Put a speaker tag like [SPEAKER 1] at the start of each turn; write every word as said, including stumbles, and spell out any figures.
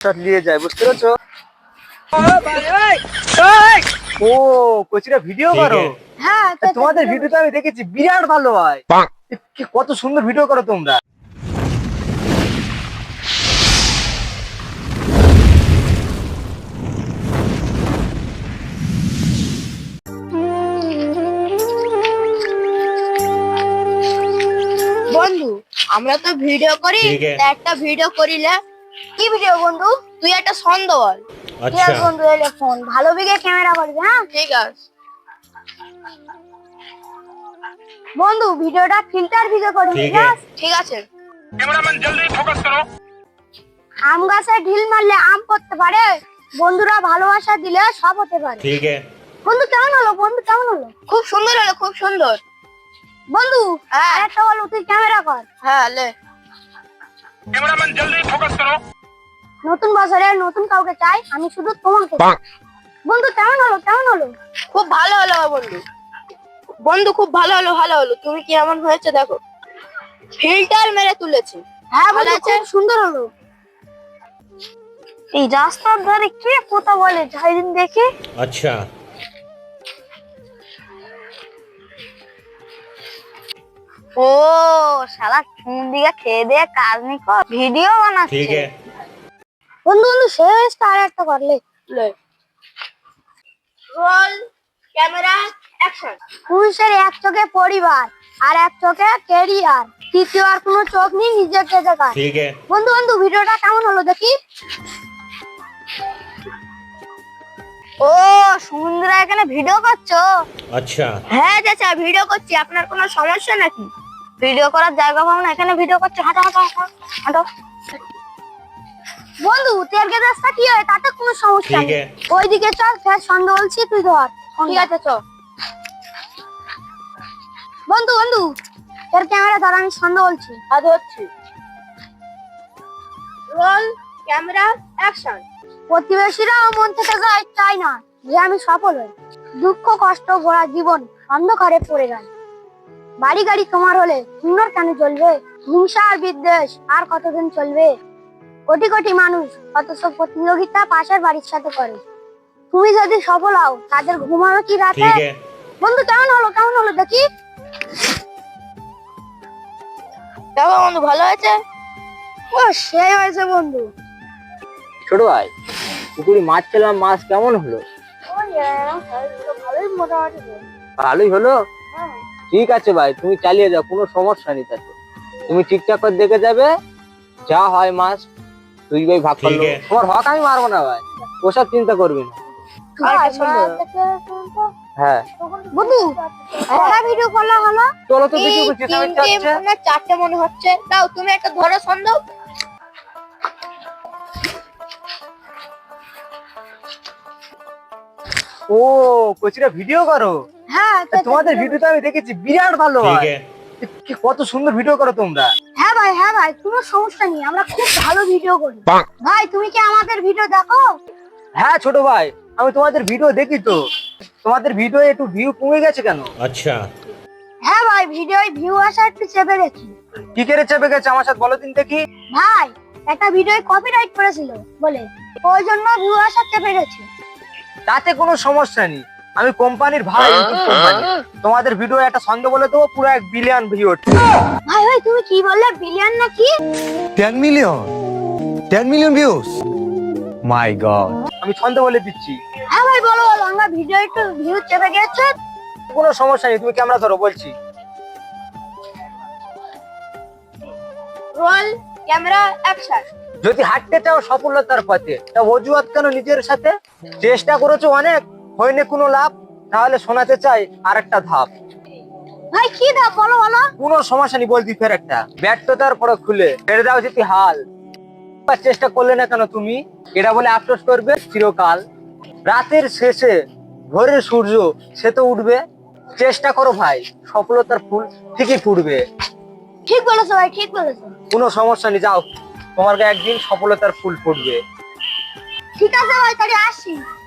[SPEAKER 1] নিয়ে যায়, বুঝতে পেরেছো? ও কোচিরা ভিডিও করো?
[SPEAKER 2] হ্যাঁ,
[SPEAKER 1] তোমাদের ভিডিও তো আমি দেখেছি, বিরাট ভালো হয়। কত সুন্দর ভিডিও করো তোমরা।
[SPEAKER 2] বন্ধু আমরা তো ভিডিও করি, একটা ভিডিও করিলে কি ভিডিও বন্ধু? তুই একটা ছন্দ বল।
[SPEAKER 3] আচ্ছা
[SPEAKER 2] বন্ধু এলে ফোন ভালো বিগে ক্যামেরা করবি। হ্যাঁ ঠিক আছে বন্ধু, ভিডিওটা ফিল্টার ভিডিও করবি।
[SPEAKER 3] ঠিক আছে
[SPEAKER 2] ঠিক আছে।
[SPEAKER 4] कैमरामैन जल्दी फोकस करो।
[SPEAKER 2] আম গাছে ঢিল মারলে আম পড়তে পারে, বন্ধুরা ভালোবাসা দিলে সব হতে পারে।
[SPEAKER 3] ठीक है
[SPEAKER 2] বন্ধু কেমন হলো? বন্ধু কেমন হলো? খুব সুন্দর হলো, খুব সুন্দর। বন্ধু আরেকটা বল, তুই ক্যামেরা কর। হ্যাঁ লে।
[SPEAKER 4] कैमरामैन जल्दी फोकस करो।
[SPEAKER 2] নতুন বছরে নতুন কাউকে চাই, আমি শুধু তোমাকে চাই। বন্ধু কেমন হলো? কেমন হলো? খুব ভালো হলো বন্ধু। বন্ধু খুব ভালো হলো, ভালো হলো। তুমি কি এমন হয়েছে দেখো, ফিল্টার মেরে তুলেছি। হ্যাঁ ভালো আছে, সুন্দর হলো। এই রাস্তার ধারে কে কথা বলে, যাইদিন দেখি।
[SPEAKER 3] अच्छा
[SPEAKER 2] ও শালা ফোন দিকে খেয়ে দিয়ে কাজ নি কর, ভিডিও বানাচ্ছে।
[SPEAKER 3] ठीक है
[SPEAKER 2] বন্ধু বন্ধু শেষ আর একটা করলে লে। Roll camera action. পুরুষের এক চোখে পরিবার আর এক চোখে ক্যারিয়ার, তৃতীয় আর কোনো চোখ নেই নিজেকে দেখার।
[SPEAKER 3] ठीक है
[SPEAKER 2] বন্ধু বন্ধু ভিডিওটা কেমন হলো দেখি। ও সুমন্দিরা এখানে ভিডিও করছো?
[SPEAKER 3] अच्छा
[SPEAKER 2] হ্যাঁ চাচা ভিডিও করছি, আপনার কোনো সমস্যা নাকি? ভিডিও করার জায়গা পাবো না, এখানে ভিডিও করছি। হাঁটো হাঁটো হাঁটো হাঁটো। বন্ধু তেল গ্যাসটা কি হয়, তাতে কোনো সমস্যা
[SPEAKER 3] ঠিক
[SPEAKER 2] নেই।
[SPEAKER 3] আছে।
[SPEAKER 2] ওইদিকে চল, ফের সন্দেহ বলছি, তুই ধর। ঠিক আছে চল। বন্ধু বন্ধু তোর ক্যামেরা ধর, আমি সন্দেহ বলছি। আর ধরছি। Role camera action. প্রতিবেশীরাও মন থেকে যায় চাই না যে আমি সফল হই, দুঃখ কষ্ট ভরা জীবন অন্ধকারে পড়ে যায়। বাড়ি গাড়ি তোমার হলে সুন্দর কেন চলবে, হিংসা আর বিদ্বেষ আর কতদিন চলবে? কোটি কোটি মানুষ অথচ প্রতিযোগিতা পাশের বাড়ির সাথে করে। তুমি যদি সফল হও তাদের ঘুমানো কি রাতে?
[SPEAKER 3] ठीक है
[SPEAKER 2] বন্ধু কেমন হলো? কেমন হলো দেখি। দেখো বন্ধু ভালো হয়েছে। ও সেই হয়েছে বন্ধু।
[SPEAKER 1] ছোট ভাই, পুকুরে মাছ খেলাম, মাছ কেমন হলো?
[SPEAKER 2] ভালোই মোটামুটি।
[SPEAKER 1] ভালোই হলো। ঠিক আছে ভাই, তুমি চালিয়ে যাও, কোনো সমস্যা নেই তাতে। তুমি ঠিকঠাক করে দেখে যাবে, যা হয় মাছ তুই ভাই ভাগ করলো।
[SPEAKER 3] ঠিক আছে।
[SPEAKER 1] তোমার হক আমি মারবো না ভাই, ওসব চিন্তা করবি না। হ্যাঁ
[SPEAKER 2] বন্ধু একটা ভিডিও করলে হলো।
[SPEAKER 1] চলো তো দেখি
[SPEAKER 2] এই
[SPEAKER 1] ওকে চেঁচামেচি
[SPEAKER 2] তিনটে
[SPEAKER 1] হচ্ছে।
[SPEAKER 2] না চারটে মনে হচ্ছে। দাও তুমি একটা ধরো সন্দেহ।
[SPEAKER 1] ও কোচিরা ভিডিও করো?
[SPEAKER 2] হ্যাঁ
[SPEAKER 1] তোমাদের ভিডিও তো আমি দেখেছি, বিরাট ভালো
[SPEAKER 3] ठीक
[SPEAKER 1] হয়।
[SPEAKER 3] है
[SPEAKER 1] কি কত সুন্দর ভিডিও করো তোমরা।
[SPEAKER 2] হ্যাঁ ভাই, হ্যাঁ ভাই, কোনো সমস্যা নেই, আমরা খুব ভালো ভিডিও করি। ভাই তুমি কি আমাদের ভিডিও দেখো?
[SPEAKER 1] হ্যাঁ ছোট ভাই, আমি তোমাদের ভিডিও দেখি তো। তোমাদের ভিডিও একটু ভিউ কমে গেছে কেন?
[SPEAKER 3] अच्छा
[SPEAKER 2] হ্যাঁ ভাই, ভিডিওয় ভিউ আসা একটু চেপে গেছি।
[SPEAKER 1] কি করে চেপে গেছে আমার সাথে বলো দিন দেখি।
[SPEAKER 2] ভাই একটা ভিডিওয় কপিরাইট করেছিল বলে, ওই জন্য ভিউ আসা চেপে গেছে।
[SPEAKER 1] তাতে কোনো সমস্যা নেই, আমি কোম্পানির ভাই, ইউটিউব কোম্পানি। তোমাদের ভিডিও একটা ছন্দ বলে দেবো, পুরো এক বিলিয়ন ভিউ হচ্ছে।
[SPEAKER 2] ভাই ভাই তুমি কি বললে, বিলিয়ন নাকি?
[SPEAKER 5] ten million ten million views my god
[SPEAKER 1] আমি ছন্দ বলে দিচ্ছি।
[SPEAKER 2] হ্যাঁ ভাই বলো বলো, আমরা ভিডিও একটু ভিউ চেপে গেছে।
[SPEAKER 1] কোনো সমস্যা নেই, তুমি ক্যামেরা ধরো বলছি।
[SPEAKER 2] Roll camera action.
[SPEAKER 1] যদি হাঁটতে চাও সফলতার পথে, তা অজুহাত কেন নিজের সাথে? চেষ্টা করেছো অনেক, হয়নি কোনো লাভ, তাহলে শোনাতে চাই আরেকটা ধাপ।
[SPEAKER 2] ভাই কি দাও বলো বলো।
[SPEAKER 1] কোনো সমস্যা নেই বলছি, ফের একটা ব্যর্থতার পর খুলে ছেড়ে দাও যদি হাল। চেষ্টা করলে না কেন তুমি, এটা বলে আফসোস করবে চিরকাল। রাতের শেষে ভোরের সূর্য সে তো উঠবে, চেষ্টা করো ভাই, সফলতার ফুল ঠিকই ফুটবে।
[SPEAKER 2] ঠিক বলেছো ভাই, ঠিক বলেছো।
[SPEAKER 1] কোনো সমস্যা নেই, যাও, তোমার একদিন সফলতার ফুল ফুটবে।
[SPEAKER 2] ঠিক আছে ভাই, তাহলে আসি।